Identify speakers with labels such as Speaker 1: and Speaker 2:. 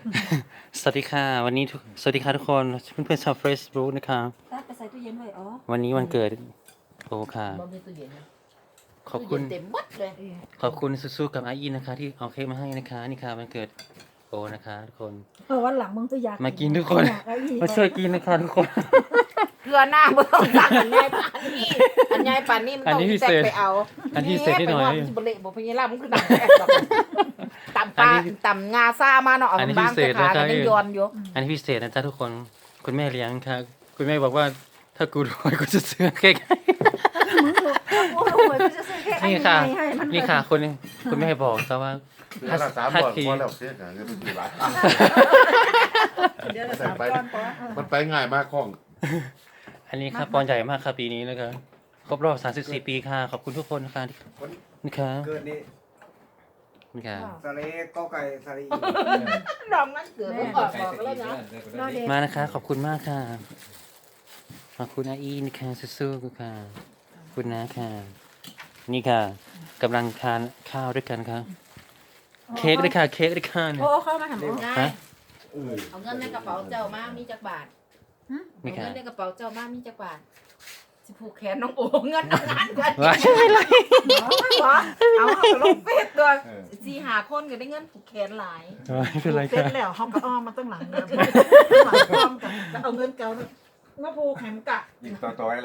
Speaker 1: สวัสดีค่ะวันนี้สวัสดีค่ะทุกคนเพื่อนๆชาว Facebook นะคะ
Speaker 2: ตัดไปใส่ตู้เย็นไว้อ๋อ
Speaker 1: วันนี้วันเกิดโอค่ะ
Speaker 3: บ่มีตู้เย็นนะ
Speaker 1: ขอบคุณ
Speaker 3: ตู้เย็นเต็มหมดเลย
Speaker 1: ขอบคุณสู้ๆกับอาอีนะคะ ที่เอาเค้กมาให้นะคะนี่ค่ะวันเกิดโอนะคะทุกคน
Speaker 2: วันหลังมึงจะอยาก
Speaker 1: มากินทุกคนมาช่วยกินนะคะทุกคน
Speaker 3: เกลือหน้าบ่ต้องสั่งอันใหญ่ปานนี้อันใหญ่ปานนี้มัน
Speaker 1: อัน
Speaker 3: ต้อง
Speaker 1: นี้พิ
Speaker 3: แต
Speaker 1: เศ
Speaker 3: ก
Speaker 1: ษ
Speaker 3: ไปเอา
Speaker 1: อันนี้พิเศษนิดหน่อย
Speaker 3: ไปว่ามันสิบ่เละบ่พญาลามันคือตำแตกดอกตำปลาตำงาซ่ามาเนาะเอา
Speaker 1: อันนี้
Speaker 3: บาง
Speaker 1: พิเศ
Speaker 3: แต่
Speaker 1: ษ
Speaker 3: ขา
Speaker 1: นะครับ
Speaker 3: ก็ยังย้อนอยู่
Speaker 1: อันนี้พิเศษนะจ๊ะทุกคนคุณแม่เลี้ยงค่ะคุณแม่บอกว่าถ้ากูรวยกูจะซื้อเค้กให้
Speaker 2: มึงถูกโอ้โหจะซื้อแค่
Speaker 1: นี่ค่ะ
Speaker 2: ให้มัน
Speaker 1: นี่ค่ะคุณแม่บอกซะว่า
Speaker 4: เดือนละ3
Speaker 1: ถ้า
Speaker 4: บาท
Speaker 1: ที
Speaker 4: พอแล้วเสียกันเงินเป็นกี่บาท
Speaker 2: เดี๋ยวละ3 ก้อนพอ
Speaker 4: มันไปง่ายมากของ
Speaker 1: อันนี้ครับปอนใหญ่มากครับปีนี้นะครับครบรอบ34 ปีค่ะขอบคุณทุกคนนะคะนี่ค่ะ
Speaker 5: เกิดนี่
Speaker 1: นี่ค่ะ
Speaker 5: สลีก็ไก่สลี
Speaker 3: ดอกนั้นเกิดมันออกดอกแล้วนะ
Speaker 2: รอเด็ก
Speaker 1: มานะคะขอบคุณมากค่ะขอบคุณอาอีนะคะสู้ๆค่ะขอบคุณนะค่ะนี่ค่ะกำลังทานข้าวด้วยกันค่ะเค้กด้วยค่ะเค้กด้วยค่ะเนี่ย
Speaker 2: โอ้เข้ามาทำโอ้
Speaker 3: ง่า
Speaker 1: ฮะ
Speaker 3: ยเอาเงินในกระเป๋าเจ้ามามีจักบาท
Speaker 1: นี่
Speaker 3: เอา
Speaker 1: ค่ะ
Speaker 3: เงินในกระเป๋าเจ้ามามีจักบาทสิผูกแขนน้องโอเงินเอางานกัน
Speaker 1: ว้ายไม่ไร
Speaker 3: เอาลงเฟซตัว4-5คนก็ได้เงินผูกแขนหลาย
Speaker 1: ไม่เป็นไร
Speaker 2: เสร็
Speaker 1: ค่ะ
Speaker 2: จแล้วเขาก็อ้อมมาตั้งหลังเดียวหลังอ้อมกันเอาเงินเก่ามาผูกแขนกะ
Speaker 5: ยิงต่อๆ